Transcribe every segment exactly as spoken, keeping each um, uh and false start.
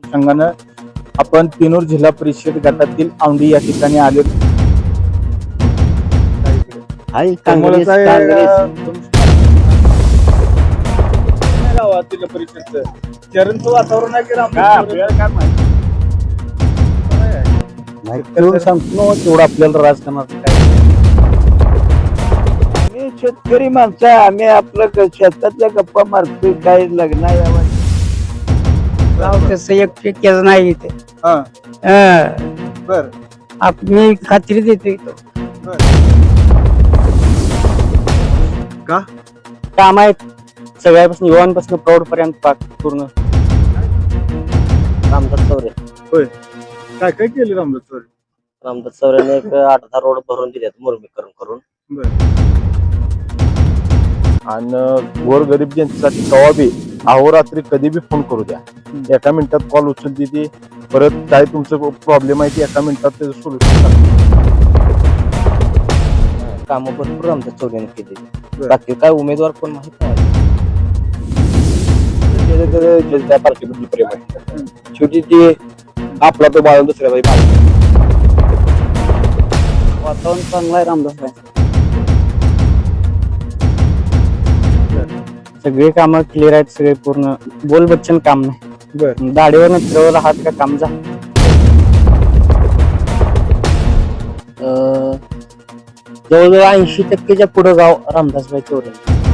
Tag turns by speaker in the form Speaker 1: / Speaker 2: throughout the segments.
Speaker 1: अनुषंगानं आपण पिनूर जिल्हा परिषद गटातील औंढी या ठिकाणी आले. गावातील परिषदचं चरणचं वातावरण आहे की सांगतो तेवढं आपल्याला राजकारणात काय.
Speaker 2: आम्ही शेतकरी माणसं आहे, आम्ही आपलं शेतातल्या गप्पा मारतोय. काय लग्न यावं
Speaker 3: तसं एक टक्क्याच नाही इथे.
Speaker 1: बर
Speaker 3: मी खात्री देते
Speaker 1: का
Speaker 3: काम आहेत सगळ्यापासून युवांपासून प्रौढ पर्यंत पाक पूर्ण. रामदास चौरे
Speaker 1: होय काय काय केले रामदास चौरे?
Speaker 3: रामदास चौरेने एक आठ दहा रोड भरून दिलेत मुरमीकरण करून.
Speaker 4: आणि गोरगरीब जनतेसाठी कवा बी अहोरात्री कधी बी फोन करू द्या, एका मिनिटात कॉल उचलते ती. परत काय तुमचं प्रॉब्लेम आहे ती एका मिनिटात त्याचं सोल्युशन.
Speaker 3: कामं भरपूर रामदास चौरेने केली. बाकी काय उमेदवार कोण माहित नाही.
Speaker 4: त्या पार्टीबद्दल प्रेम आहे. शेवटी ती आपला तो बाळा दुसऱ्या बाई बाळा.
Speaker 3: वातावरण चांगलं आहे रामदास. सगळे काम क्लिअर आहेत, सगळे पूर्ण बोल बच्चन काम नाही. दाढीवर फिरवला हात का काम जा. जवळजवळ ऐंशी टक्केच्या पुढे गाव रामदासभाई चौरे.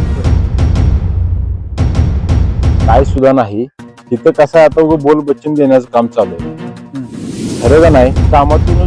Speaker 4: काय सुद्धा नाही तिथं. कसं आहे आता बोल बच्चन देण्याचं काम चालू आहे. खरं का नाही कामातून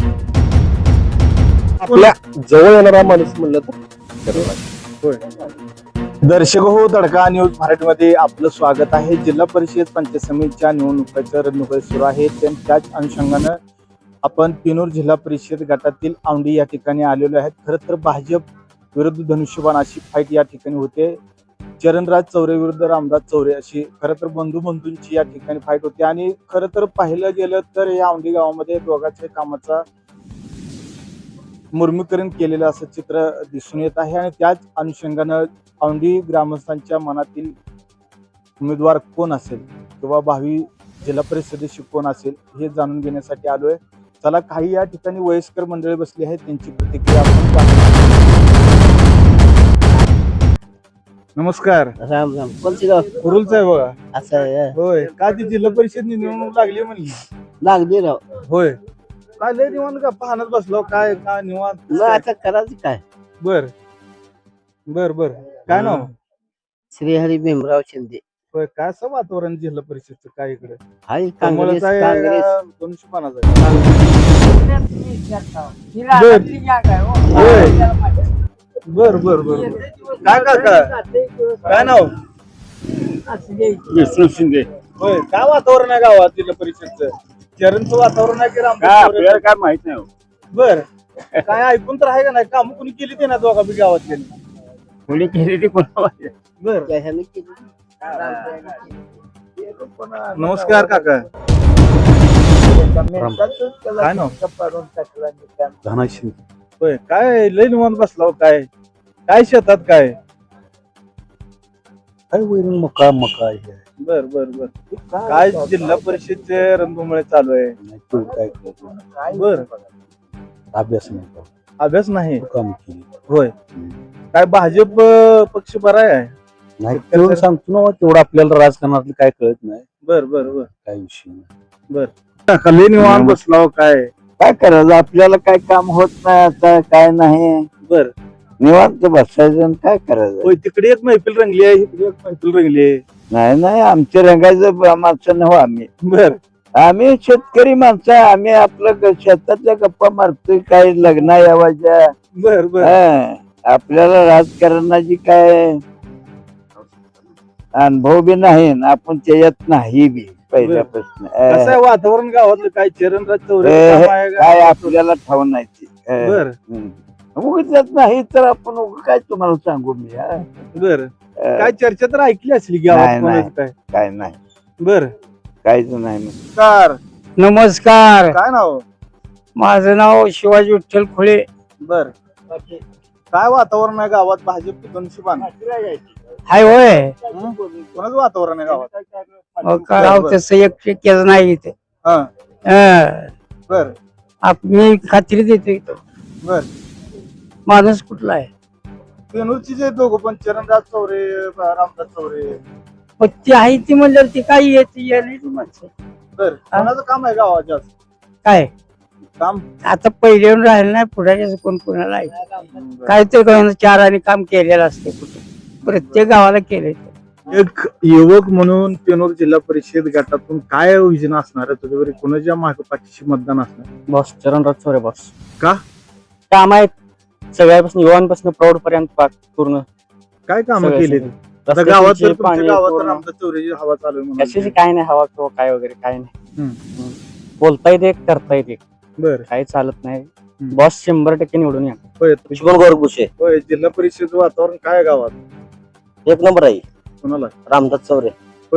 Speaker 4: आपल्या जवळ येणारा माणूस म्हणलं तर.
Speaker 1: दर्शक हो, तडका न्यूज मराठीमध्ये आपलं स्वागत आहे. जिल्हा परिषद पंचायत समितीच्या निवडणुकीच्या रणधुमाळी सुरू आहे. त्याच अनुषंगानं आपण पिनूर जिल्हा परिषद गटातील औंढी या ठिकाणी आलेलो आहेत. खरं तर भाजप विरुद्ध धनुष्यबाण अशी फाईट या ठिकाणी होते. चरणराज चौरे विरुद्ध रामदास चौरे अशी खरं तर बंधू बंधूंची या ठिकाणी फाईट होती. आणि खरं तर पाहिलं गेलं तर या औंढी गावामध्ये दोघांच्या कामाचा मुर्मीकरण केलेलं असं चित्र दिसून येत आहे. आणि त्याच अनुषंगानं औंढी ग्रामस्थांच्या मनातील उमेदवार कोण असेल किंवा भावी जिल्हा परिषदेशी कोण असेल हे जाणून घेण्यासाठी आलोय. चला, काही या ठिकाणी वयस्कर मंडळी बसली आहेत, त्यांची प्रतिक्रिया आपण पाहू. नमस्कार.
Speaker 3: राम राम. कोणती गाव?
Speaker 1: कुरुलच आहे बघा.
Speaker 3: असं आहे
Speaker 1: होय का? ती जिल्हा परिषद निवडणूक लागली म्हणली.
Speaker 3: लागली राव.
Speaker 1: होय काय लय निवांत का पाहण्यात बसलो? काय काय निवांत?
Speaker 3: मग आता करायचं काय?
Speaker 1: बर बर बर काय नाव?
Speaker 3: श्रीहरी भीमराव शिंदे.
Speaker 1: होय काय असं वातावरण जिल्हा परिषदचं काय इकडे?
Speaker 3: हाय काँग्रेस काँग्रेस.
Speaker 1: दोनशे बर बर बर काय काका काय नाव?
Speaker 4: विष्णू शिंदे.
Speaker 1: होय काय वातावरण आहे गावात जिल्हा परिषदचं? चरणचं वातावरण आहे की रामदास?
Speaker 4: काय माहित नाही.
Speaker 1: बर काय ऐकून तर आहे का नाही? काम कुणी केली ते ना दोघा बी गावातले?
Speaker 4: कोणी केली ती कोणा?
Speaker 1: बर नमस्कार काका. काय नाव?
Speaker 4: धना शिंदे.
Speaker 1: होय काय लय निवांत बसला? काय काय शेतात काय?
Speaker 4: काय वैरण मका मका आहे.
Speaker 1: बर बर बर काय जिल्हा परिषदचे रणधुमाळी चालू आहे?
Speaker 4: तू काय करतो?
Speaker 1: बर
Speaker 4: अभ्यास नाही करतो.
Speaker 1: अभ्यास नाही.
Speaker 4: काम केली
Speaker 1: होय काय भाजप पक्ष बरा आहे?
Speaker 4: नाही तेवढं सांगतो ना, तेवढं आपल्याला राजकारणातलं काय कळत नाही.
Speaker 1: बर बर बर
Speaker 4: काय विषय नाही.
Speaker 1: बर लय निवांत बसला काय?
Speaker 2: काय करायचं? आपल्याला काय काम होत नाही आता, काय नाही.
Speaker 1: बर
Speaker 2: निवांत बसायचं आणि काय करायचं?
Speaker 1: होय तिकडे एक मैफिल रंगली आहे, इकडे एक मैफिल रंगली आहे.
Speaker 2: नाही नाही आमच्या रंगायचं माणसं नव्ह आम्ही.
Speaker 1: बर
Speaker 2: आम्ही शेतकरी माणसं आहे, आम्ही आपलं शेतातल्या गप्पा मारतोय. काय लग्न यावाच्या.
Speaker 1: बर बर
Speaker 2: आपल्याला राजकारणाची काय अनुभव बी नाही, आपण त्याच्यात नाही बी पहिल्यापासून.
Speaker 1: कसं आहे वातावरण गावातलं? काय चरणराज चौरे
Speaker 2: काय आपल्याला ठाव नाही ते.
Speaker 1: बर
Speaker 2: उगीच नाही तर आपण उग काय तुम्हाला सांगू मी.
Speaker 1: बर काय चर्चा तर ऐकली असली गावात कोणाची काय?
Speaker 2: काय नाही.
Speaker 1: बर
Speaker 2: काहीच नाही.
Speaker 1: नमस्कार.
Speaker 3: नमस्कार.
Speaker 1: काय नाव?
Speaker 3: माझं नाव शिवाजी विठ्ठल खुळे.
Speaker 1: बर काय वातावरण आहे गावात? भाजप धनुष्यबाण
Speaker 2: हाय होय
Speaker 1: हं? कोणाचं वातावरण आहे गावात?
Speaker 2: अहो, गाव तसं एक शक्यच नाही इथे
Speaker 1: हा
Speaker 2: हं.
Speaker 1: बर
Speaker 2: आप- मी खात्री देतो इथं
Speaker 1: बर
Speaker 2: माणूस कुठला आहे
Speaker 1: पेनूरची जे दोघं पण चरणराज चौरे रामदास चौरे
Speaker 2: मग ती आहे ती म्हणल्यावर ती काही येते यायची माणसं
Speaker 1: बर कोणाचं काम आहे गावात जास्त
Speaker 2: काय
Speaker 1: काम?
Speaker 2: आता पहिले येऊन राहिलं नाही पुढे कोण कोणाला आहे काय ते कोणाला चार आणि काम केलेलं असते कुठे प्रत्येक गावाला केले
Speaker 1: एक युवक म्हणून पेनूर जिल्हा परिषद गटातून काय योजना असणार आहे तुझ्यावर कोणाच्या मागे पाठीशी मतदान असणार?
Speaker 3: बॉस चरणराज चौरे बॉस
Speaker 1: का?
Speaker 3: काम आहेत सगळ्यापासून युवांपासून प्रौढ पर्यंत पाक पूर्ण
Speaker 1: काय काम
Speaker 3: सगळे-
Speaker 1: केले
Speaker 3: सगळे.
Speaker 1: आता गावात तर
Speaker 3: रस्त्याची,
Speaker 1: तुमच्या
Speaker 3: पाणी,
Speaker 1: गावात तर
Speaker 3: पूर्ण.
Speaker 1: रामदास चौरेची हवा चालू आहे
Speaker 3: कशाची
Speaker 1: म्हणून.
Speaker 3: काय नाही हवा किंवा काय वगैरे काय नाही
Speaker 1: हम्म.
Speaker 3: हम्म. बोलता येते करता येते
Speaker 1: बर
Speaker 3: काही चालत नाही
Speaker 1: हम्म.
Speaker 3: बॉस शंभर टक्के निवडून या
Speaker 1: होय
Speaker 5: गोरगुशे
Speaker 1: होय जिल्हा परिषद वातावरण काय आहे गावात?
Speaker 5: एक नंबर आहे
Speaker 1: कोणाला?
Speaker 5: रामदास चौरे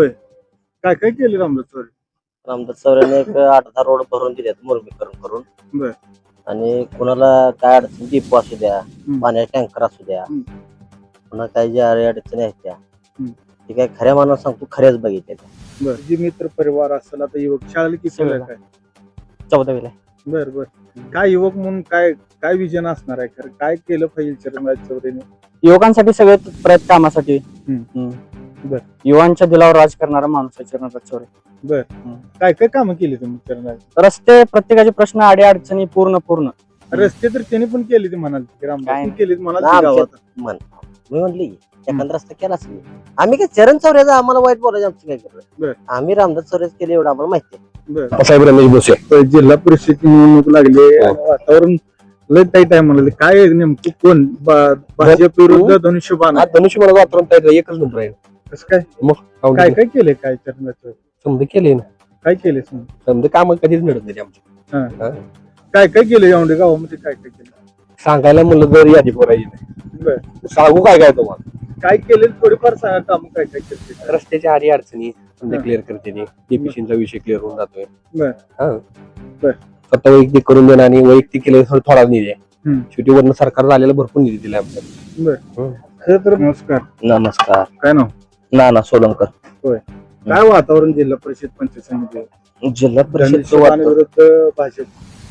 Speaker 1: काय काय केले रामदास चौरे?
Speaker 5: रामदास चौरेने एक आठ दहा रोड भरून दिलेत मुरमीकरण करून
Speaker 1: बर.
Speaker 5: आणि कुणाला काय अडचण डिपो असू द्या पाण्याचे टँकर असू द्या
Speaker 1: हम्म.
Speaker 5: पुन्हा काही ज्या अडचणी आहेत त्या
Speaker 1: हम्म.
Speaker 5: ते काय खऱ्या मानावर सांगतो खऱ्याच बघितल्या
Speaker 1: बर जी मित्र परिवार असेल आता युवक शाळेला किती
Speaker 3: सगळं.
Speaker 1: काय?
Speaker 3: चौदावीला
Speaker 1: बर बर काय युवक म्हणून काय काय विजन असणार आहे खरं काय केलं पाहिजे चरणराज चौरेने?
Speaker 3: युवकांसाठी सगळे प्रयत्न कामासाठी
Speaker 1: हम्म.
Speaker 3: हम्म.
Speaker 1: बर.
Speaker 3: युवांच्या दिलावर राज करणारा माणूस आहे चरणराज चौरे
Speaker 1: बर काय काय कामं केली तुम्ही चरणराज?
Speaker 3: रस्ते प्रत्येकाचे प्रश्न आडी अडचणी पूर्ण पूर्ण
Speaker 1: रस्ते तर त्यांनी पण केले ते म्हणाल रामदास
Speaker 3: काय?
Speaker 1: केली म्हणाल
Speaker 5: आमच्या-
Speaker 1: गावात
Speaker 5: म्हण मी म्हणली एखादा रस्ता केलाच नाही आम्ही काय चरण चौऱ्याचा आम्हाला वाईट बोलायचं आमचं काय
Speaker 1: बर.
Speaker 5: करत आम्ही रामदास चौऱ्याच केले एवढं आम्हाला माहिती आहे
Speaker 1: बर
Speaker 4: साहेब रमेश भोसे
Speaker 1: तर जिल्हा परिषद निवडणूक लागली आणि वातावरण लय टाईट आहे म्हणाले काय नेमकं कोण बा- भाजप विरुद्ध धनुष्यबाण आहे?
Speaker 6: धनुष्यबाण वातावरण एकच नंबर आहे
Speaker 1: कसं काय
Speaker 6: मग
Speaker 1: काय काय केले काय चरणराज चौरे?
Speaker 6: समजा केले ना
Speaker 1: काय केले समजा?
Speaker 6: समजा काम कधीच मिळत नाही आमची
Speaker 1: हा. काय काय केलं यावंडे गावामध्ये काय काय केलं?
Speaker 6: सांगायला म्हणलं तर यादी बोलायची नाही
Speaker 1: बर
Speaker 6: सांगू काय काय तुम्हाला
Speaker 1: काय केले थोडेफार सांगा काम काय काय केले?
Speaker 6: रस्त्याच्या आडी अडचणी समजा
Speaker 1: हा.
Speaker 6: क्लिअर करते डीपीसीचा विषय क्लिअर होऊन जातोय
Speaker 1: बर.
Speaker 6: हा.
Speaker 1: बर.
Speaker 6: स्वतः वैयक्तिक करून देणं आणि वैयक्तिक केलं तर थोडा निधी आहे
Speaker 1: हम्म.
Speaker 6: शेवटी वरनं सरकार झालेला भरपूर निधी दिला आमच्या
Speaker 1: बर
Speaker 6: हम्म.
Speaker 1: खरं तर नमस्कार
Speaker 5: नमस्कार
Speaker 1: काय नाव?
Speaker 5: नाना सोलंकर
Speaker 1: काय वातावरण जिल्हा परिषद पंचायत समिती
Speaker 5: जिल्हा परिषद
Speaker 1: धनुष्यबाण विरुद्ध भाजप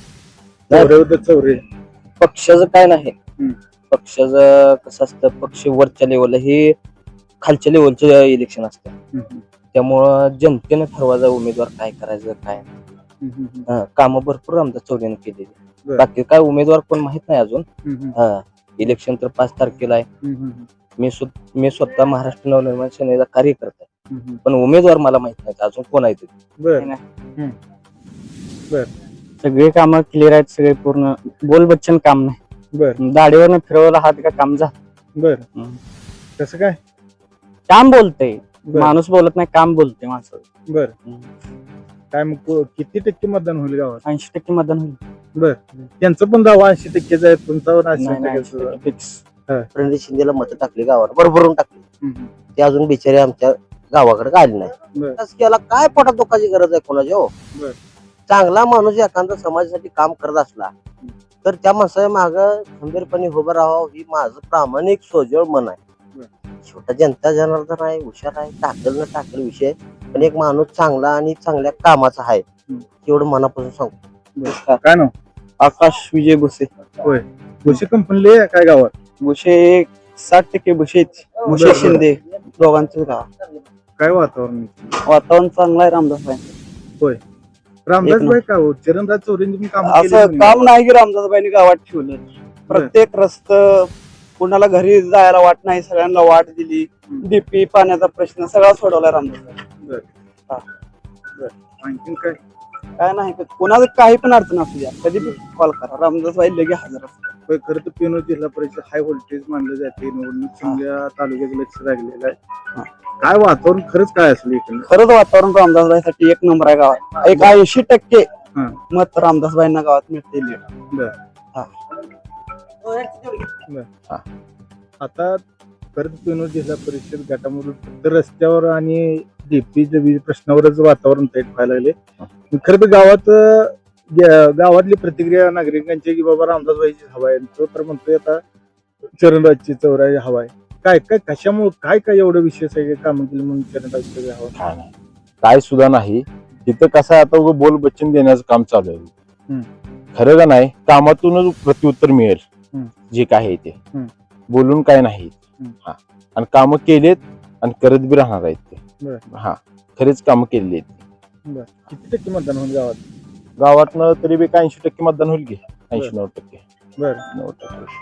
Speaker 1: चौरे विरुद्ध चौरे
Speaker 5: पक्षाचं काय नाही
Speaker 1: हम्म.
Speaker 5: पक्षाचं कसं असतं पक्ष वरच्या लेवलला हे खालच्या लेवलचं इलेक्शन असतं
Speaker 1: हम्म.
Speaker 5: त्यामुळं जनतेनं ठरवायचा उमेदवार काय करायचं काय
Speaker 1: हम्म. हम्म.
Speaker 5: हा, कामं भरपूर आमच्या चौधरीने केलेली
Speaker 1: बरं.
Speaker 5: बाकी काय उमेदवार कोण माहित नाही अजून
Speaker 1: हम्म.
Speaker 5: हा इलेक्शन तर पाच तारखेला आहे
Speaker 1: हम्म.
Speaker 5: मी स्वत मी स्वतः महाराष्ट्र नवनिर्माण सेनेचा कार्यकर्ता आहे
Speaker 1: हम्म.
Speaker 5: पण उमेदवार मला माहित नाही अजून कोण आहे ते
Speaker 1: बर
Speaker 3: सगळे कामं क्लिअर आहेत सगळे पूर्ण बोल बच्चन काम नाही
Speaker 1: बर
Speaker 3: दाढीवर फिरवला हात का काम जा
Speaker 1: बर
Speaker 3: हम्म.
Speaker 1: कसं काय?
Speaker 3: काम बोलतय
Speaker 1: बर
Speaker 3: माणूस बोलत नाही काम बोलते माणसं
Speaker 1: बर काय मग को- किती टक्के मतदान होईल गावात?
Speaker 3: ऐंशी टक्के मतदान होईल
Speaker 1: बर त्यांचं पण दावा ऐंशी टक्केच आहे तुमचा पण ऐंशी
Speaker 3: नाही, नाही,
Speaker 1: टक्केच आहे.
Speaker 3: फिक्स
Speaker 5: प्रणित शिंदेला मतं टाकली गावाला भरभरून टाकली
Speaker 1: हम्म.
Speaker 5: ते अजून बिचारे आमच्या गावाकडे आले नाही
Speaker 1: बर
Speaker 5: याला काय पोटात दुखाची गरज आहे कोणाची हो
Speaker 1: बर.
Speaker 5: चांगला माणूस एखादा समाजासाठी काम करत असला तर त्या माणसाच्या माग खंबीरपणे उभं राहावं ही माझं प्रामाणिक सोजवळ मन आहे छोटा जनता जनार्दन आहे हुशार आहे टाकल न टाकल विषय पण एक माणूस चांगला आणि चांगल्या कामाचा आहे एवढं मनापासून सांगतो
Speaker 1: काय नाव?
Speaker 3: आकाश विजय भुसे
Speaker 1: भुसे कंपनी काय गावात?
Speaker 3: भुसे साठ टक्के भुसे
Speaker 1: भुसे बरं.
Speaker 3: शिंदे दोघांचं गाव
Speaker 1: काय वातावरण?
Speaker 3: वातावरण चांगलं आहे रामदास भाई
Speaker 1: रामदास
Speaker 3: एक
Speaker 1: भाई का हो चरणराज चौरेंनी पण काम
Speaker 2: असं काम नाही की रामदासबाईंनी गावात ठेवलं प्रत्येक रस्त कुणाला घरी जायला वाट नाही सगळ्यांना वाट दिली डीपी पाण्याचा प्रश्न सगळा सोडवला रामदास
Speaker 1: आणखीन काय?
Speaker 2: काय नाही कुणाला काही पण अडचण असू द्या कधी पण कॉल करा रामदासबाई लगे हजर असतात
Speaker 1: होय, खरं तर पेनोर जिल्हा परिषद हाय व्होल्टेज मानलं जाते निवडणूक चांगल्या तालुक्याचं लक्ष लागलेलं आहे काय वातावरण खरंच काय असेल एकंदर?
Speaker 2: खरंच वातावरण रामदासबाईसाठी एक नंबर आहे गावात एक ऐंशी टक्के
Speaker 1: हा.
Speaker 2: मत रामदासबाईंना गावात मिळते
Speaker 1: बर
Speaker 2: हा.
Speaker 1: आता खरंच पेनोर जिल्हा परिषद गटामधून फक्त रस्त्यावर आणि डीपीच्या वीज प्रश्नावरच वातावरण तयार व्हायला लागले खरं तर गावात ग- गावातली प्रतिक्रिया नागरिकांची की बाबा रामदास भाईची हवा आहे तो तर म्हणतोय आता चरणराजची चौराची हवा आहे काय काय कशामुळे काय काय एवढं विशेष आहे काम केलं म्हणून चरणराज हवा?
Speaker 4: काय नाही काय सुद्धा नाही तिथं कसं आहे, आता उगाच बोल बच्चन देण्याचं काम चालू आहे. खरं का नाही, कामातूनच प्रत्युत्तर मिळेल
Speaker 1: हम्म.
Speaker 4: जे काय आहे ते.
Speaker 1: हम्म.
Speaker 4: बोलून काय नाही.
Speaker 1: हम्म.
Speaker 4: हा आणि कामं केलेत आणि करत बी राहणार आहेत ते.
Speaker 1: बरं.
Speaker 4: हा खरेच कामं केलेली आहेत.
Speaker 1: किती टक्के मतदान होईल गावात?
Speaker 4: गावातनं तरी बी ऐंशी टक्के मतदान होईल की ऐंशी नऊ टक्के
Speaker 1: बर
Speaker 4: नऊ टक्के.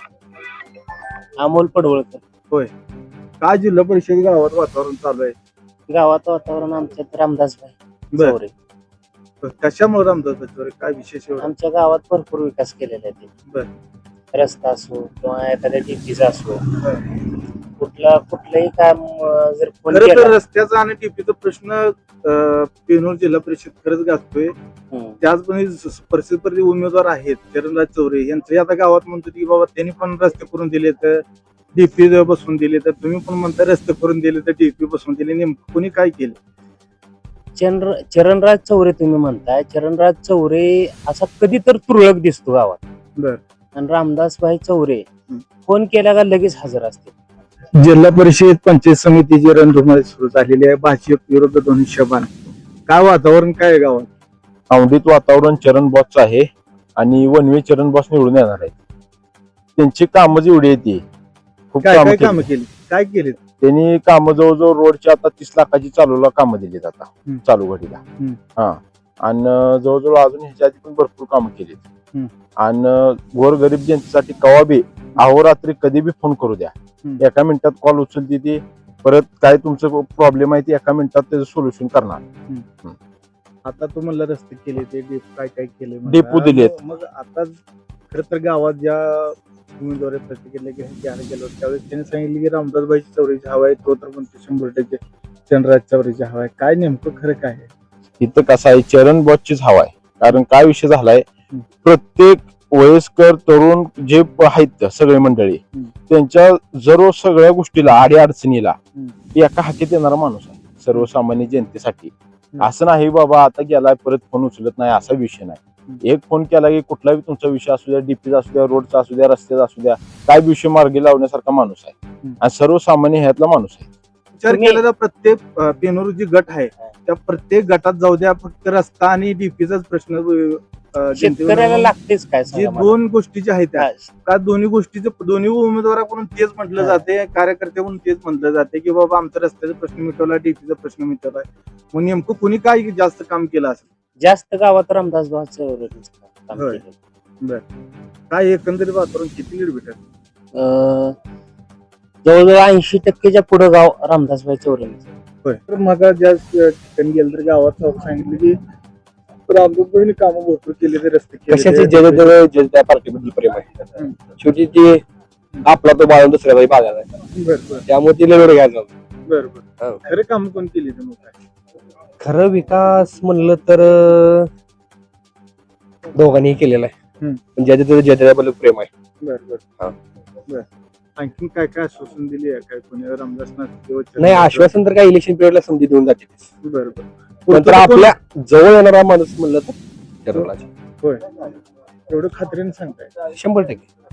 Speaker 3: अमोल पडवळकर.
Speaker 1: काय जिल्हा परिषद गावात वातावरण चालू आहे?
Speaker 3: गावात वातावरण आमच्यात रामदासभाई
Speaker 1: बर
Speaker 3: चौरे.
Speaker 1: कशामुळे रामदास बच्चन काय विशेष एवढं?
Speaker 3: आमच्या गावात भरपूर विकास केलेला आहे
Speaker 1: बर.
Speaker 3: ते रस्ता असो किंवा एखाद्या डीपीचा असो, कुठला कुठलंही काम अं, जर फोन
Speaker 1: खरं तर
Speaker 3: केला
Speaker 1: रस्त्याचा आणि टीपीचा प्रश्न अं, पेनोर जिल्हा परिषद खरंच गाजतोय.
Speaker 3: हम्म.
Speaker 1: त्याचप्रमाणे परिस्थिती उमेदवार आहेत चरणराज चौरे यांचे आता गावात म्हणतो की बाबा त्यांनी पण रस्ते करून दिले तर डीपी बसवून दिले, तर तुम्ही पण म्हणता रस्ते करून दिले तर डीपी बसवून दिले, नेमकं कोणी काय केलं?
Speaker 3: चरण चरणराज चौरे तुम्ही म्हणताय, चरणराज चौरे असा कधी तर तुरळक दिसतो गावात.
Speaker 1: बर.
Speaker 3: आणि रामदासभाई चौरे फोन केला का लगेच हजर असते.
Speaker 1: जिल्हा परिषद पंचायत समितीची रणधुमाळी सुरू झालेली आहे. भाजप विरुद्ध दोन्ही शबान. काय वातावरण काय आहे गावात?
Speaker 4: औंढीत वातावरण चरण बॉसचं आहे आणि वनवे चरण बॉस निवडून येणार आहेत. त्यांची कामं जेवढी आहेत ती खूप
Speaker 1: काय
Speaker 4: कामं
Speaker 1: काय
Speaker 4: केली.
Speaker 1: कामं केली? काय केली?
Speaker 4: त्यांनी कामं जवळजवळ रोडची आता तीस लाखाची चालूला कामं दिलीत आता
Speaker 1: हम्म.
Speaker 4: चालू घडीला.
Speaker 1: हम्म.
Speaker 4: हा आणि जवळजवळ अजून ह्याच्या आधी पण भरपूर कामं केलीत.
Speaker 1: हम्म.
Speaker 4: आणि गोरगरीब जनतेसाठी कवा बी अहोरात्री कधी बी फोन करू द्या,
Speaker 1: हम्म.
Speaker 4: एका मिनिटात कॉल उचलते ती. परत काय तुमचं प्रॉब्लेम आहे ती एका मिनिटात त्याचं सोल्युशन करणार.
Speaker 1: आता तू म्हणलं रस्ते केले ते डेप काय काय केले म्हणला.
Speaker 4: डेपो दिलेत.
Speaker 1: मग मग आता खरं तर गावात ज्या उमेदवार प्रतिक्रिया घ्यायला गेलो त्यावेळेस त्यांनी सांगितलं की रामदासबाईची चौरीची हवा आहे, तो तर म्हणतो शंभर टक्के चरणराज चौरीची हवा आहे. काय नेमकं खरं काय आहे?
Speaker 4: इथं कसं आहे, चरण बॉसचीच हवा आहे. कारण काय विषय झालाय,
Speaker 1: हम्म.
Speaker 4: प्रत्येक वयस्कर तरुण जे प- आहेत सगळे मंडळी
Speaker 1: हम्म.
Speaker 4: त्यांच्या जर सगळ्या गोष्टीला आडी अडचणीला
Speaker 1: हम्म.
Speaker 4: एका हाकेत येणारा माणूस आहे सर्वसामान्य जनतेसाठी. असं नाही बाबा आता गेलाय परत फोन उचलत नाही असा विषय नाही. एक फोन केला की कुठलाही तुमचा विषय असू द्या, डीपीचा असू द्या, रोडचा असू द्या, रस्त्याचा असू द्या, काय विषय मार्गी लावण्यासारखा माणूस आहे आणि सर्वसामान्य ह्यातला माणूस आहे.
Speaker 1: विचार
Speaker 3: तुम्ही-
Speaker 1: केला तर प्रत्येक अं, पेनोर जी गट आहे त्या प्रत्येक गटात जाऊ द्या, फक्त रस्ता आणि डीपीचाच प्रश्न अं,
Speaker 3: शेतकऱ्याला
Speaker 1: जनतेवर-
Speaker 3: लागतेच काय
Speaker 1: जे
Speaker 3: सांगा मला.
Speaker 1: दोन गोष्टी ज्या आहेत त्या
Speaker 3: काय?
Speaker 1: का दोन्ही गोष्टीचे दोन्ही उमेदवाराकडून तेच म्हटलं
Speaker 3: हा.
Speaker 1: जाते, कार्यकर्त्याकडून तेच म्हटलं जाते की बाबा आमचा रस्त्याचा प्रश्न मिटवला, डीपीचा प्रश्न मिटवलाय. मग नेमकं कोणी काय जास्त काम केलं असेल?
Speaker 3: जास्त गावात रामदासभाई चौरेच काम
Speaker 1: होय.
Speaker 3: केलं.
Speaker 1: काय एकंदरीत वातावरण किती लीड भेटत?
Speaker 3: अं, जवळजवळ ऐंशी टक्केच्या पुढे गाव रामदासभाई चौरे.
Speaker 1: होय. तर मग ज्या ठिकाणी गेलं तर गावात सांगितलं की रामदासबाईंनी कामं भरपूर केले, ते रस्ते केले,
Speaker 6: कशाची
Speaker 1: ते-
Speaker 6: जग जग जग त्या पार्टीबद्दल प्रेम आहे.
Speaker 1: हम्म.
Speaker 6: शेवटी ते आपला तो बाळून दुसऱ्या बाई बागायला आहे.
Speaker 1: बरं बरं
Speaker 6: त्यामुळे ती लढ घ्यायचं.
Speaker 1: बरं बरं
Speaker 6: हो.
Speaker 1: खरं काम कोण केली ते मग काय?
Speaker 6: खरं विकास म्हणलं तर अं, दोघांनी केलेला आहे.
Speaker 1: हम्म.
Speaker 6: पण ज्याच्या त्याच्या ज्या त्याच्याबद्दल प्रेम आहे.
Speaker 1: बरं बरं
Speaker 6: हा.
Speaker 1: बरं आणखीन काय काय आश्वासन दिली आहे काय कोणी रामदासनाथ किंवा
Speaker 6: नाही आश्वासन तर काय इलेक्शन पिरियडला संधी देऊन जाते.
Speaker 1: बरं बरं
Speaker 6: नंतर
Speaker 1: पुढचं कोण-
Speaker 6: आपल्या जवळ येणारा माणूस म्हणलं तर चरणराज.
Speaker 1: होय एवढं खात्रीने सांगताय?
Speaker 6: शंभर टक्के